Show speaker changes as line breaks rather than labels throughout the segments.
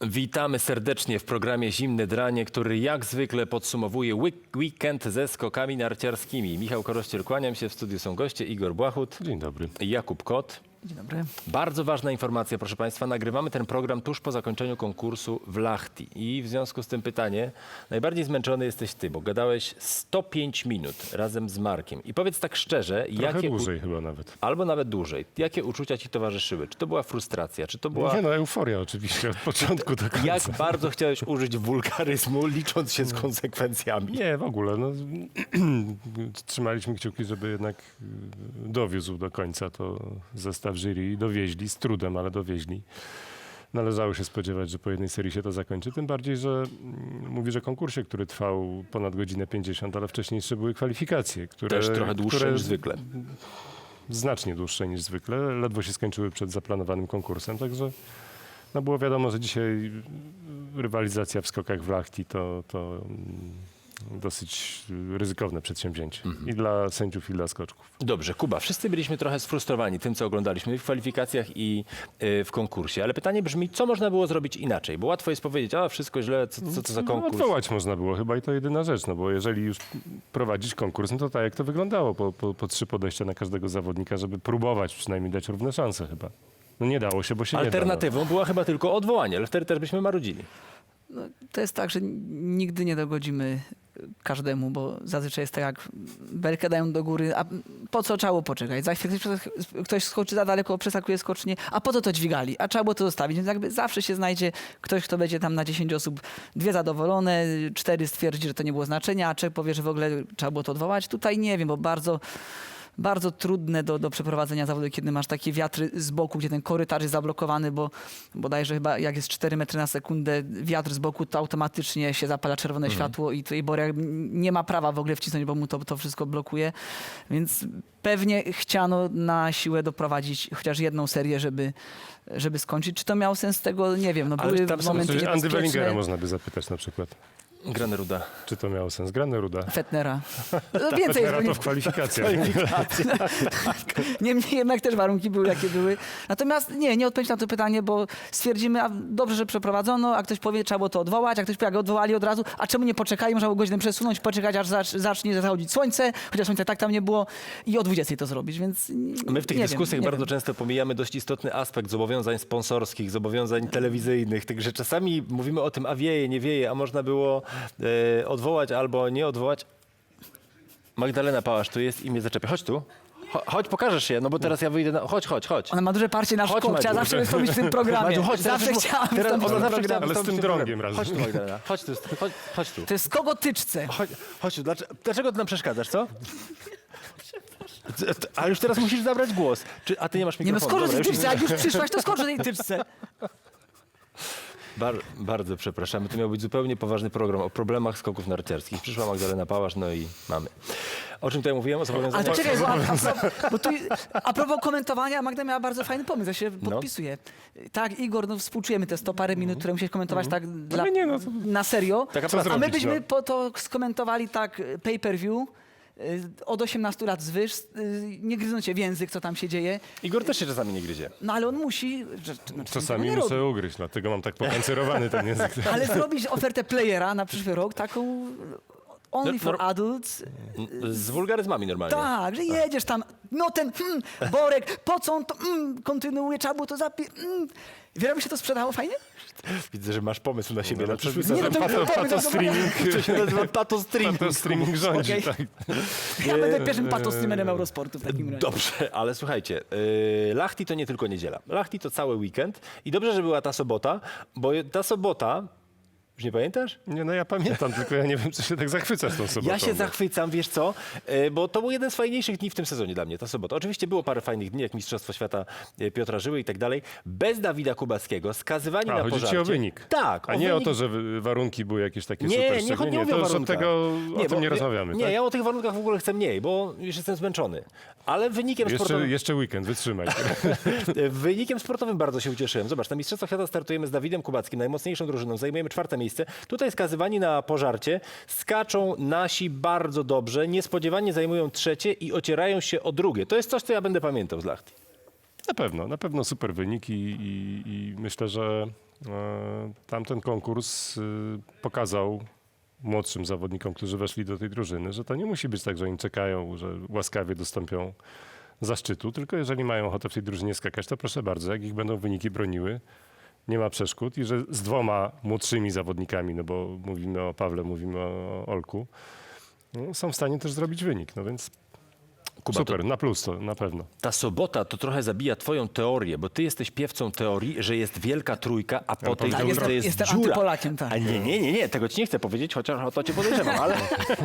Witamy serdecznie w programie Zimne Dranie, który jak zwykle podsumowuje weekend ze skokami narciarskimi. Michał Korościel, kłaniam się. W studiu są goście Igor Błachut.
Dzień dobry.
Jakub Kot.
Dzień dobry.
Bardzo ważna informacja, proszę Państwa. Nagrywamy ten program tuż po zakończeniu konkursu w Lahti. I w związku z tym pytanie, najbardziej zmęczony jesteś ty, bo gadałeś 105 minut razem z Markiem. I powiedz tak szczerze,
Trochę dłużej chyba nawet.
albo nawet dłużej, jakie uczucia ci towarzyszyły? Czy to była frustracja? Czy to była...
Nie no, euforia oczywiście od początku do końca.
Jak bardzo chciałeś użyć wulgaryzmu, licząc się z konsekwencjami?
Nie, w ogóle. No, trzymaliśmy kciuki, żeby jednak dowiózł do końca to zestaw jury i dowieźli, z trudem, ale dowieźli. Należało się spodziewać, że po jednej serii się to zakończy. Tym bardziej, że mówisz o konkursie, który trwał ponad godzinę 50, ale wcześniej jeszcze były kwalifikacje, które...
Też trochę dłuższe
które
niż zwykle.
Znacznie dłuższe niż zwykle. Ledwo się skończyły przed zaplanowanym konkursem, także no było wiadomo, że dzisiaj rywalizacja w skokach w Lahti to dosyć ryzykowne przedsięwzięcie. I dla sędziów, i dla skoczków.
Dobrze, Kuba, wszyscy byliśmy trochę sfrustrowani tym, co oglądaliśmy w kwalifikacjach i w konkursie. Ale pytanie brzmi, co można było zrobić inaczej? Bo łatwo jest powiedzieć, a wszystko źle, co to za
No,
konkurs?
odwołać można było chyba i to jedyna rzecz, no bo jeżeli już prowadzić konkurs, no to tak jak to wyglądało, po 3 podejścia na każdego zawodnika, żeby próbować przynajmniej dać równe szanse chyba. No nie dało się, bo się nie da.
Alternatywą była chyba tylko odwołanie, ale wtedy też byśmy marudzili.
No, to jest tak, że nigdy nie dogodzimy każdemu, bo zazwyczaj jest tak, jak belkę dają do góry, a po co trzeba było poczekać? Za chwilę ktoś skoczy za daleko, przeskakuje skocznie, a po co to dźwigali? A trzeba było to zostawić. Więc jakby zawsze się znajdzie ktoś, kto będzie tam na 10 osób 2 zadowolone, 4 stwierdzi, że to nie było znaczenia, a 3 powie, że w ogóle trzeba było to odwołać. Tutaj nie wiem, bo bardzo trudne do przeprowadzenia zawodu, kiedy masz takie wiatry z boku, gdzie ten korytarz jest zablokowany, bo bodajże chyba jak jest 4 metry na sekundę wiatr z boku, to automatycznie się zapala czerwone światło i tutaj Borek nie ma prawa w ogóle wcisnąć, bo mu to wszystko blokuje. Więc pewnie chciano na siłę doprowadzić chociaż jedną serię, żeby skończyć. Czy to miało sens tego? Nie wiem. No,
Ale
były
tam są
momenty
Andy
niebezpieczne.
Wellingera można by zapytać na przykład.
Graneruda.
Czy to miało sens? Graneruda.
Fettnera. No, więcej
Teraz
jest
to w kwalifikacjach.
Niemniej jednak też warunki były, jakie były. Natomiast nie odpowiedź na to pytanie, bo stwierdzimy, a dobrze, że przeprowadzono, a ktoś powie, trzeba było to odwołać, a ktoś powie, jak odwołali od razu, a czemu nie poczekali, można było godzinę przesunąć, poczekać, aż zacznie zachodzić słońce, chociaż słońca tak tam nie było i o 20 to zrobić, więc
My w tych
nie
dyskusjach
wiem,
bardzo często pomijamy dość istotny aspekt zobowiązań sponsorskich, zobowiązań telewizyjnych, także czasami mówimy o tym, a wieje, nie wieje, a można było odwołać albo nie odwołać. Magdalena Pałasz tu jest i mnie zaczepia. Chodź tu. Chodź, pokażesz się, no bo teraz ja wyjdę na... Chodź.
Ona ma duże parcie na
Chodź,
szkło, chciała
Madziu.
zawsze wystąpić w tym programie.
Madziu, chodź,
Zawsze chciałam
teraz
wystąpić w
ona
tym
zawsze chciała
programie.
Ale z tym
wystąpić w
drągiem
programie.
razem.
Chodź tu, Magdalena. Chodź tu.
To jest kogotyczce.
Chodź tu. Dlaczego ty nam przeszkadzasz, co? A już teraz musisz zabrać głos. A ty nie masz
Nie no,
mikrofonu.
skocz
Dobra,
tej
już
tyczce, jak już przyszłaś, to skocz tej tyczce.
Bardzo przepraszamy. To miał być zupełnie poważny program o problemach skoków narciarskich. Przyszła Magdalena Pałasz, no i mamy. O czym tutaj mówiłem? O
Ale
zobowiązaniach?
to czekaj, bo tu, a propos komentowania, Magda miała bardzo fajny pomysł, ja się podpisuję. Tak, Igor, no współczujemy te 100 parę minut, które musiałeś komentować tak na serio.
Taka
A
praca.
my byśmy
no?
po to skomentowali tak pay-per-view, od 18 lat zwyż, nie gryząc się w język, co tam się dzieje.
Igor też się czasami nie gryzie.
No ale on musi...
Czasami
nie
muszę
robi.
ugryźć, dlatego mam tak pokancerowany ten język.
Ale zrobić ofertę playera na przyszły rok, taką only for adults.
Z wulgaryzmami normalnie.
Tak, że jedziesz tam, no ten Borek, po co on to kontynuuje, trzeba było to Wiele by się to sprzedało fajnie?
Widzę, że masz pomysł na siebie.
No,
na przyszły
oczywiście,
sezon.
to-
pato streaming.
To się nazywa Pato Streaming.
Pato streaming rządzi,
Okej.
tak.
Ja będę pierwszym patostreamerem Eurosportu w takim razie.
Dobrze, ale słuchajcie, Lahti to nie tylko niedziela. Lahti to cały weekend i dobrze, że była ta sobota, bo ta sobota... Już nie pamiętasz?
Nie, no ja pamiętam, tylko ja nie wiem, czy się tak zachwycasz tą sobotą.
Ja się zachwycam, wiesz co, bo to był jeden z fajniejszych dni w tym sezonie dla mnie, ta sobota. Oczywiście było parę fajnych dni, jak Mistrzostwo Świata Piotra Żyły i tak dalej. Bez Dawida Kubackiego, skazywani na
chodzi
pożarcie.
ci o wynik.
Tak.
A nie o to, że warunki były jakieś takie super
Nie chodzi
szczególnie.
o
To już od
warunkach.
tego, o tym
bo-
nie rozmawiamy.
Nie,
tak?
ja o tych warunkach w ogóle chcę mniej, bo już jestem zmęczony. Ale wynikiem sportowym...
Jeszcze weekend, wytrzymaj.
Wynikiem sportowym bardzo się ucieszyłem. Zobacz, na Mistrzostwach Świata startujemy z Dawidem Kubackim, najmocniejszą drużyną, zajmujemy 4. miejsce. Tutaj skazywani na pożarcie, skaczą nasi bardzo dobrze, niespodziewanie zajmują 3. i ocierają się o 2. To jest coś, co ja będę pamiętał z Lahti.
Na pewno super wynik i myślę, że Tamten konkurs pokazał młodszym zawodnikom, którzy weszli do tej drużyny, że to nie musi być tak, że oni czekają, że łaskawie dostąpią zaszczytu, tylko jeżeli mają ochotę w tej drużynie skakać, to proszę bardzo, jak ich będą wyniki broniły, nie ma przeszkód i że z 2 młodszymi zawodnikami, no bo mówimy o Pawle, mówimy o Olku, no, są w stanie też zrobić wynik, no więc
Kuba,
super, na plus to na pewno.
Ta sobota to trochę zabija twoją teorię, bo ty jesteś piewcą teorii, że jest wielka trójka, a po tej
Tak,
trójce jest
jestem
dziura.
antypolakiem, tak.
A nie, tego ci nie chcę powiedzieć, chociaż o to cię podejrzewam, ale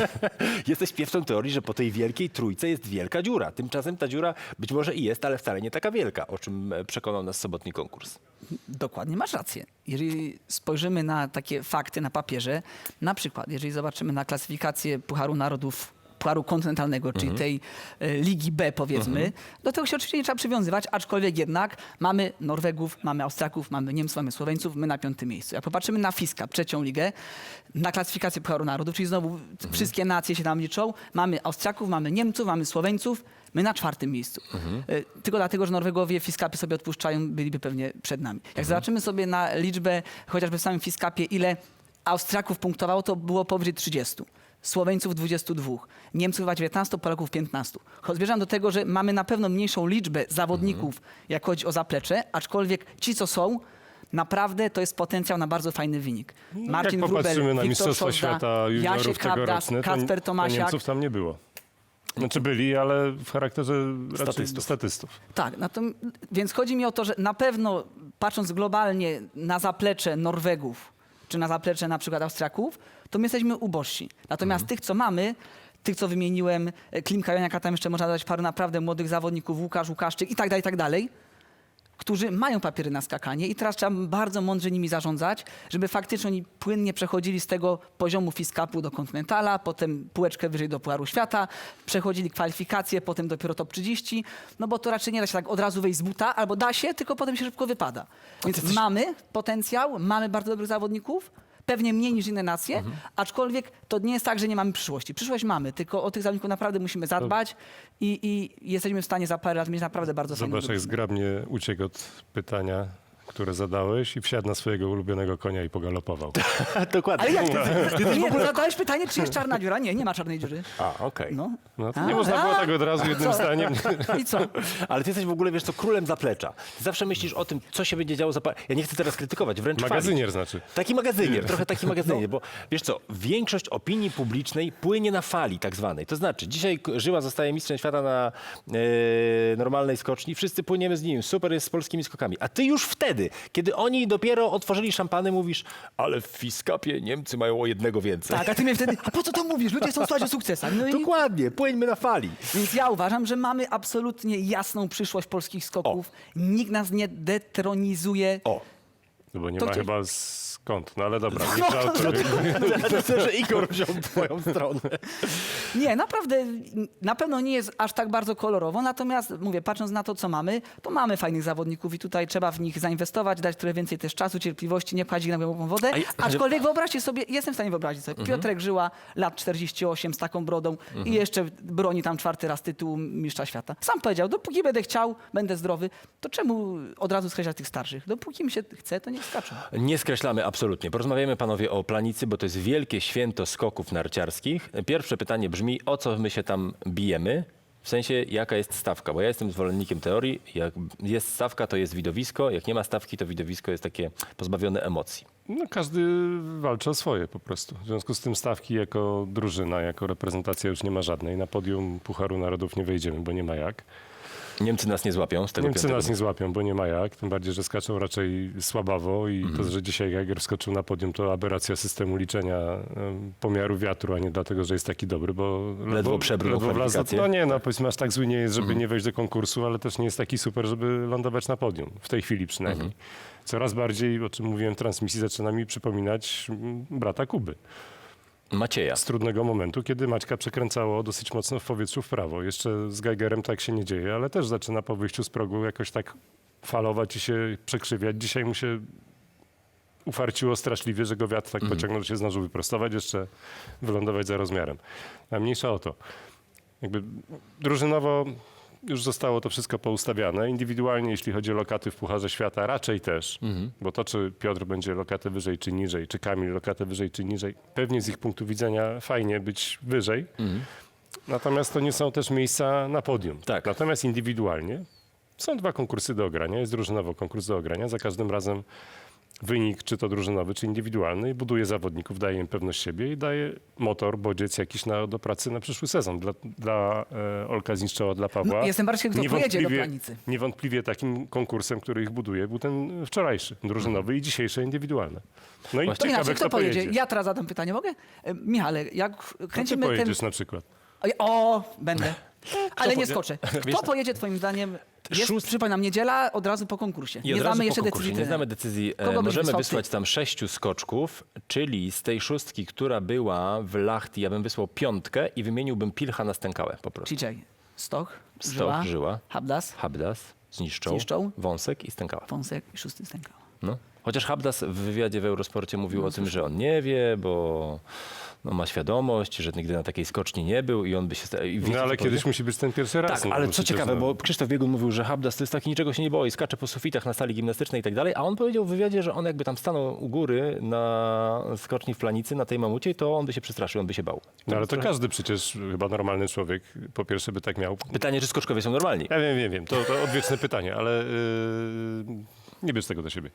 jesteś piewcą teorii, że po tej wielkiej trójce jest wielka dziura. Tymczasem ta dziura być może i jest, ale wcale nie taka wielka, o czym przekonał nas sobotni konkurs.
Dokładnie, masz rację. Jeżeli spojrzymy na takie fakty na papierze, na przykład, jeżeli zobaczymy na klasyfikację Pucharu Narodów, Pucharu Kontynentalnego, czyli tej Ligi B, powiedzmy, do tego się oczywiście nie trzeba przywiązywać, aczkolwiek jednak mamy Norwegów, mamy Austriaków, mamy Niemców, mamy Słoweńców, my na 5. miejscu. Jak popatrzymy na FISKA, 3. ligę, na klasyfikację Pucharu Narodów, czyli znowu wszystkie nacje się tam liczą, mamy Austriaków, mamy Niemców, mamy Słoweńców, my na 4. miejscu. Tylko dlatego, że Norwegowie Fiskapy sobie odpuszczają, byliby pewnie przed nami. Jak zobaczymy sobie na liczbę, chociażby w samym Fiskapie, ile Austriaków punktowało, to było powyżej 30. Słoweńców 22, Niemców chyba 19, Polaków 15. Zmierzam do tego, że mamy na pewno mniejszą liczbę zawodników, jak chodzi o zaplecze, aczkolwiek ci, co są, naprawdę to jest potencjał na bardzo fajny wynik. Marcin
Jak
Wróbel,
popatrzymy na
Wiktor
Mistrzostwa
Szozda,
Świata juniorów
Jasiek Habdas,
tegoroczne,
Kacper
to
Tomasiak.
Niemców tam nie było. Znaczy byli, ale w charakterze raczej statystów.
Tak, więc chodzi mi o to, że na pewno patrząc globalnie na zaplecze Norwegów, czy na zaplecze na przykład Austriaków, to my jesteśmy ubożsi. Natomiast tych, co mamy, tych, co wymieniłem, Klimka, Joniaka, tam jeszcze można dodać paru naprawdę młodych zawodników, Łukaszczyk i tak dalej, którzy mają papiery na skakanie i teraz trzeba bardzo mądrze nimi zarządzać, żeby faktycznie oni płynnie przechodzili z tego poziomu Fiskapu do Kontynentala, potem półeczkę wyżej do Pucharu Świata, przechodzili kwalifikacje, potem dopiero top 30, no bo to raczej nie da się tak od razu wejść z buta, albo da się, tylko potem się szybko wypada. Więc mamy potencjał, mamy bardzo dobrych zawodników, pewnie mniej niż inne nacje, aczkolwiek to nie jest tak, że nie mamy przyszłości. Przyszłość mamy, tylko o tych zawodników naprawdę musimy zadbać i jesteśmy w stanie za parę lat mieć naprawdę bardzo fajną
Zobacz, jak
drużynę.
zgrabnie uciekł od pytania, które zadałeś i wsiadł na swojego ulubionego konia i pogalopował.
Dokładnie.
Ale jak ty? Nie, bo zadałeś pytanie, czy jest czarna dziura? Nie, nie ma czarnej dziury.
A, okej.
No.
No to nie można było tak od razu jednym zdaniem.
I co?
Ale ty jesteś w ogóle, wiesz co, królem zaplecza. Ty zawsze myślisz o tym, co się będzie działo za Ja nie chcę teraz krytykować, wręcz chwalić.
Magazynier znaczy.
Taki magazynier, trochę taki magazynier, bo wiesz co, większość opinii publicznej płynie na fali tak zwanej. To znaczy, dzisiaj Żyła zostaje mistrzem świata na normalnej skoczni, wszyscy płyniemy z nim, super jest z polskimi skokami. A ty już wtedy, kiedy oni dopiero otworzyli szampany, mówisz, ale w Fiskapie Niemcy mają o 1 więcej.
Tak, a ty mnie wtedy, a po co to mówisz? Ludzie chcą słuchać o sukcesach. No i,
Dokładnie, płyńmy na fali.
więc ja uważam, że mamy absolutnie jasną przyszłość polskich skoków. Nikt nas nie detronizuje.
O,
No bo nie
To
ma
ty-
chyba skąd. No ale dobra, nie żartuj.
myślę, że Igor wziął twoją stronę.
Nie, naprawdę, na pewno nie jest aż tak bardzo kolorowo, natomiast mówię, patrząc na to, co mamy, to mamy fajnych zawodników i tutaj trzeba w nich zainwestować, dać trochę więcej też czasu, cierpliwości, nie pchaść ich na głęboką wodę. Aczkolwiek wyobraźcie sobie, jestem w stanie wyobrazić sobie, Piotrek Żyła, lat 48 z taką brodą i jeszcze broni tam 4. raz tytułu mistrza świata. Sam powiedział, dopóki będę chciał, będę zdrowy, to czemu od razu skreślać tych starszych? Dopóki mi się chce, to niech skaczą.
Nie skreślamy absolutnie. Porozmawiamy panowie o Planicy, bo to jest wielkie święto skoków narciarskich. Pierwsze pytanie brzmi, o co my się tam bijemy? W sensie, jaka jest stawka? Bo ja jestem zwolennikiem teorii, jak jest stawka, to jest widowisko, jak nie ma stawki, to widowisko jest takie pozbawione emocji.
No każdy walczy o swoje po prostu. W związku z tym stawki jako drużyna, jako reprezentacja już nie ma żadnej. Na podium Pucharu Narodów nie wejdziemy, bo nie ma jak.
Niemcy nas nie złapią z tego
Niemcy
5.
nas nie złapią, bo nie ma jak. Tym bardziej, że skaczą raczej słabawo i to, że dzisiaj Jager wskoczył na podium, to aberracja systemu liczenia pomiaru wiatru, a nie dlatego, że jest taki dobry, bo
Ledwo przebrnął
wlazł.
kwalifikacje.
No nie, no powiedzmy aż tak zły nie jest, żeby nie wejść do konkursu, ale też nie jest taki super, żeby lądować na podium. W tej chwili przynajmniej. Coraz bardziej, o czym mówiłem w transmisji, zaczyna mi przypominać brata Kuby.
Macieja.
Z trudnego momentu, kiedy Maćka przekręcało dosyć mocno w powietrzu w prawo. Jeszcze z Geigerem tak się nie dzieje, ale też zaczyna po wyjściu z progu jakoś tak falować i się przekrzywiać. Dzisiaj mu się ufarciło straszliwie, że go wiatr tak pociągnął, że się zdążył wyprostować, jeszcze wylądować za rozmiarem. A mniejsza o to. Jakby drużynowo już zostało to wszystko poustawiane. Indywidualnie, jeśli chodzi o lokaty w Pucharze Świata, raczej też. Bo to, czy Piotr będzie lokatę wyżej czy niżej, czy Kamil lokatę wyżej czy niżej, pewnie z ich punktu widzenia fajnie być wyżej. Natomiast to nie są też miejsca na podium.
Tak.
Natomiast indywidualnie są 2 konkursy do ogrania. Jest drużynowo konkurs do ogrania. Za każdym razem wynik, czy to drużynowy, czy indywidualny, buduje zawodników, daje im pewność siebie i daje motor, bodziec jakiś do pracy na przyszły sezon. Dla Olka Zińszczoła, dla Pawła.
No, jestem bardzo ciekaw, kto pojedzie do Planicy.
Niewątpliwie takim konkursem, który ich buduje, był ten wczorajszy, drużynowy i dzisiejsze indywidualne. No i
To
ciekawe,
inaczej, kto pojedzie?
pojedzie.
Ja teraz zadam pytanie, mogę? Michale, jak
No ty
kręcimy ten...
pojedziesz na przykład.
O, będę. Ale nie
powie-
skoczę.
Wiesz-
Kto pojedzie twoim zdaniem? Jest, przypominam, niedziela od razu po konkursie.
I
Nie
od razu
znamy
po
jeszcze
konkursie,
decyzji
nie
trenera.
znamy decyzji.
Kogo byś
Możemy
wysłał
wysłać
ty?
tam 6 skoczków, czyli z tej 6, która była w Lahti, ja bym wysłał 5 i wymieniłbym Pilcha na Stękałę po prostu.
Ciczej. Stoch,
Stoch, Żyła,
Habdas,
Habdas, Zniszczą,
Zniszczą.
Wąsek i Stękała.
Fonsek i szósty Stękał.
No. Chociaż Habdas w wywiadzie w Eurosporcie mówił o tym, że on nie wie, bo ma świadomość, że nigdy na takiej skoczni nie był i on by się...
No ale kiedyś musi być ten pierwszy raz.
Tak,
no,
ale
bo
co
przecież,
ciekawe,
no,
bo Krzysztof Biegun mówił, że Habdas to jest taki, niczego się nie boi, skacze po sufitach na sali gimnastycznej i tak dalej, a on powiedział w wywiadzie, że on jakby tam stanął u góry na skoczni w Planicy, na tej mamucie, to on by się przestraszył, on by się bał.
No ale to każdy przecież, chyba normalny człowiek, po pierwsze by tak miał.
Pytanie, czy skoczkowie są normalni?
Ja wiem, to odwieczne pytanie, ale nie bierz tego do siebie.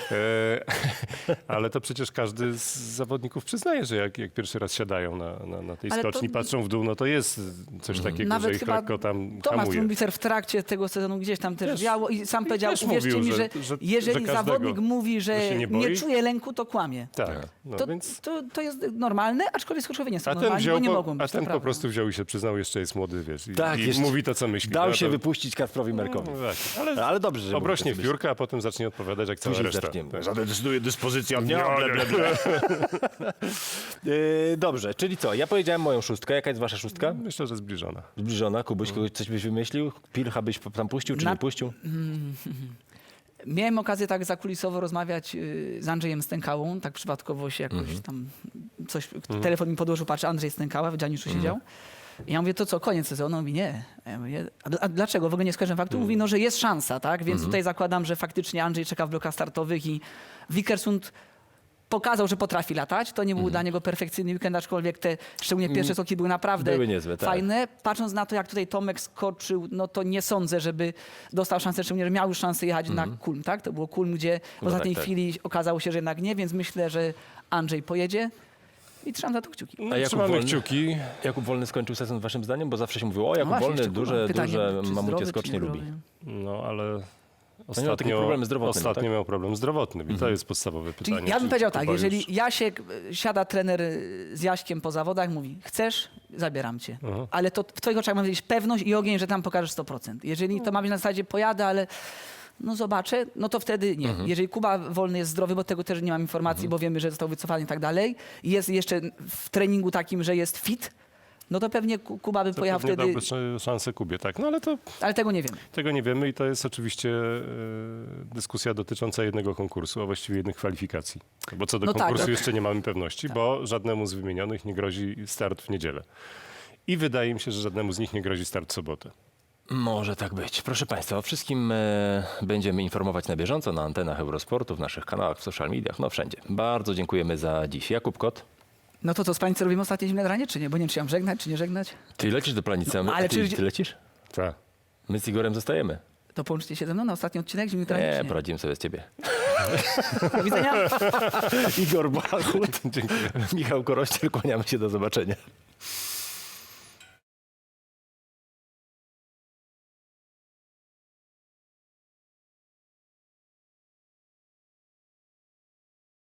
Ale to przecież każdy z zawodników przyznaje, że jak pierwszy raz siadają na tej
Ale to-
skoczni, patrzą w dół, no to jest coś takiego,
Nawet
że ich
chyba
lekko tam
Tomasz
hamuje.
Trumbicer w trakcie tego sezonu gdzieś tam też wiało i sam powiedział,
też
uwierzcie
mówił,
mi, że
że
jeżeli
każdego,
zawodnik mówi, że
że się nie boi.
czuje lęku, to kłamie.
Tak, no
To,
więc...
to jest normalne, aczkolwiek skoczkowie nie są
A ten,
normalni, bo nie
wziął,
mogą być.
a ten
to
po
prawda.
prostu wziął i się przyznał, jeszcze jest młody, wiesz,
Tak,
i
jeszcze
mówi to, co myśli.
Dał
No
się
to-
wypuścić Kacprowi Merkowi.
No właśnie, ale
Ale dobrze, że
obrośnie
mógł
w
to
piórkę, a potem zacznie odpowiadać jak cała
Później
reszta.
zaczniemy.
Tak.
Zadecyduje dyspozycja dnia.
No,
Ble, ble, ble. Dobrze, czyli co? Ja powiedziałem moją 6. Jaka jest wasza 6?
Myślę, że zbliżona.
Zbliżona. Kubuś, coś byś wymyślił? Pilcha byś tam puścił, czy
Na-
nie puścił?
Miałem okazję tak zakulisowo rozmawiać z Andrzejem Stękałą, tak przypadkowo się jakoś tam coś, telefon mi podłożył, patrzę, Andrzej Stękała w Dzianiszu siedział. I ja mówię, to co, koniec sezonu? On mówi, nie. A ja mówię, a dlaczego? W ogóle nie skojarzyłem faktu. Mówi, no, że jest szansa, tak? Więc tutaj zakładam, że faktycznie Andrzej czeka w blokach startowych i Wickersund pokazał, że potrafi latać. To nie był dla niego perfekcyjny weekend, aczkolwiek te szczególnie pierwsze skoki były naprawdę
Były niezłe, tak.
fajne. Patrząc na to, jak tutaj Tomek skoczył, no to nie sądzę, żeby dostał szansę, szczególnie, że miał już szansę jechać na Kulm, tak? To było Kulm, gdzie w ostatniej
tak.
chwili okazało się, że jednak nie, więc myślę, że Andrzej pojedzie i trzymam za to kciuki.
No,
Jakub
trzymamy
Wolny?
kciuki.
Jakub Wolny skończył sezon waszym zdaniem? Bo zawsze się mówiło, o Jakub
właśnie,
Wolny
jeszcze,
duże
pytanie, czy
mamucie
zdrowy,
skocznie
czy
lubi.
niezdrowy?
No ale
miał takie problemy zdrowotne,
ostatnio
tak?
miał problem zdrowotny i to jest podstawowe pytanie.
Czyli ja bym
czy
powiedział
Kuba
tak,
już-
jeżeli Jasiek, siada trener z Jaśkiem po zawodach, mówi, chcesz, zabieram cię. Ale to w twoich oczach ma być pewność i ogień, że tam pokażesz 100%. Jeżeli to ma być na zasadzie pojadę, ale no zobaczę, no to wtedy nie. Jeżeli Kuba Wolny jest zdrowy, bo tego też nie mam informacji, bo wiemy, że został wycofany i tak dalej, i jest jeszcze w treningu takim, że jest fit, no to pewnie Kuba by
To
pojechał
pewnie
wtedy,
dałby szansę Kubie, tak. No ale to
ale tego nie wiemy.
tego nie wiemy i to jest oczywiście dyskusja dotycząca jednego konkursu, a właściwie jednych kwalifikacji. Bo co do
No tak,
konkursu
tak.
jeszcze nie mamy pewności, bo żadnemu z wymienionych nie grozi start w niedzielę. I wydaje mi się, że żadnemu z nich nie grozi start w sobotę.
Może tak być. Proszę Państwa, o wszystkim będziemy informować na bieżąco na antenach Eurosportu, w naszych kanałach, w social mediach, no wszędzie. Bardzo dziękujemy za dziś. Jakub Kot,
No to co, z Planicy robimy ostatnie zimne granie, czy nie? Bo nie wiem, czy mam żegnać, czy nie żegnać.
ty lecisz do Planicy, a
No, ale
ty,
czy-
ty lecisz?
Tak.
My z Igorem zostajemy.
To połączcie się ze mną na ostatni odcinek zimnych grani,
Nie,
czy nie?
poradzimy sobie z ciebie.
Do widzenia.
Igor Bachut,
Dziękuję.
Michał Korościel, kłaniamy się, do zobaczenia.